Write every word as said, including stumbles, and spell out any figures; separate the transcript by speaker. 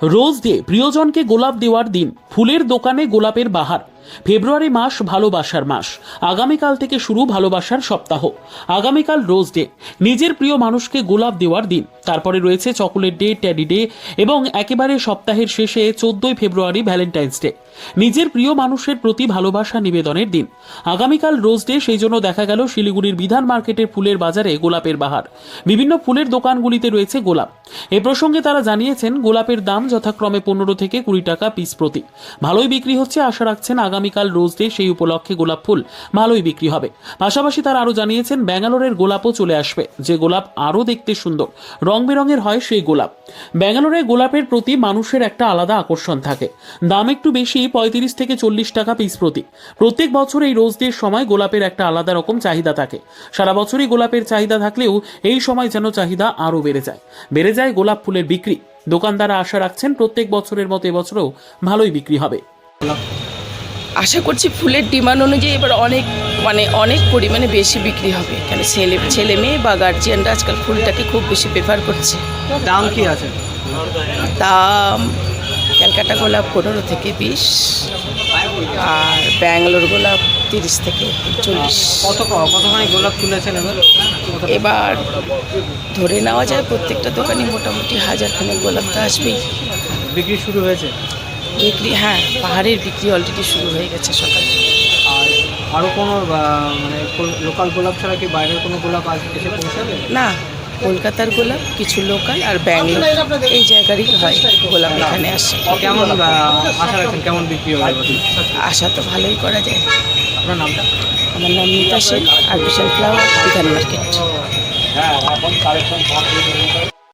Speaker 1: Rose day, প্রিয়জনকে গোলাপ দেওয়ার দিন। ফুলের দোকানে গোলাপের বাহার। ফেব্রুয়ারি মাস ভালোবাসার মাস। আগামীকাল থেকে শুরু ভালোবাসার সপ্তাহ। আগামীকাল রোজ ডে, নিজের প্রিয় মানুষকে গোলাপ দেওয়ার দিন। তারপরে রয়েছে চকোলেট ডে, ট্যাডি ডে এবং একেবারে সপ্তাহের শেষে চোদ্দই ফেব্রুয়ারি ভ্যালেন্টাইন্স ডে, নিজের প্রিয় মানুষের প্রতি ভালোবাসা নিবেদনের দিন। আগামীকাল রোজ ডে, সেই জন্য দেখা গেল শিলিগুড়ির বিধান মার্কেটের ফুলের বাজারে গোলাপের বাহার। বিভিন্ন ফুলের দোকানগুলিতে রয়েছে গোলাপ। এ প্রসঙ্গে তারা জানিয়েছেন, গোলাপের দাম যথাক্রমে পনেরো থেকে কুড়ি টাকা পিস প্রতি। ভালোই বিক্রি হচ্ছে, আশা রাখছেন আগামীকাল রোজ ডে, সেই উপলক্ষে গোলাপ ফুল ভালোই বিক্রি হবে। পাশাপাশি তারা আরও জানিয়েছেন, ব্যাঙ্গালোরের গোলাপও চলে আসবে, যে গোলাপ আরও দেখতে সুন্দর, রং বেরঙের হয় সেই গোলাপ। ব্যাঙ্গালোরে গোলাপের প্রতি মানুষের একটা আলাদা আকর্ষণ থাকে। দাম একটু বেশি, পঁয়ত্রিশ থেকে চল্লিশ টাকা পিস প্রতি। প্রত্যেক বছর এই রোজ ডের সময় গোলাপের একটা আলাদা রকম চাহিদা থাকে। সারা বছরই গোলাপের চাহিদা থাকলেও এই সময় যেন চাহিদা আরও বেড়ে যায় বেড়ে যায় গোলাপ ফুলের বিক্রি। দোকানদাররা আশা রাখছেন প্রত্যেক বছরের মতো এবছরও ভালোই বিক্রি হবে।
Speaker 2: আশা করছি ফুলের ডিমান্ড অনুযায়ী এবার অনেক মানে অনেক পরিমাণে বেশি বিক্রি হবে, কেন ছেলে ছেলে মেয়ে বা গার্জিয়ানরা আজকাল ফুলটাকে খুব বেশি প্রেফার করছে।
Speaker 3: দাম কি আছে?
Speaker 2: দাম ক্যালকাটা গোলাপ পনেরো থেকে বিশ, আর ব্যাঙ্গালোর গোলাপ তিরিশ থেকে চল্লিশ।
Speaker 3: কত কতখানি গোলাপ তুলেছেন এবার?
Speaker 2: এবার ধরে নেওয়া যায় প্রত্যেকটা দোকানে মোটামুটি হাজারখানেক গোলাপ তো আসবেই।
Speaker 3: বিক্রি শুরু হয়েছে?
Speaker 2: বিক্রি, হ্যাঁ, পাহাড়ের বিক্রি অলরেডি শুরু হয়ে গেছে সকালে।
Speaker 3: আর আরও কোনো মানে লোকাল গোলাপ ছাড়া কি বাইরের কোনো গোলাপ আজ এসে পৌঁছাবে?
Speaker 2: না, কলকাতার গোলাপ, কিছু লোকাল আর ব্যাঙ্গালোর এই জায়গারই হয় গোলাপ এখানে আসে।
Speaker 3: কেমন আশা রাখছেন, কেমন বিক্রি হবে?
Speaker 2: আশা তো ভালোই করা যায়।
Speaker 3: আপনার নামটা?
Speaker 2: আমার নাম মিতা সেন, আর বিশাল ফ্লাওয়ার, বিধান মার্কেট।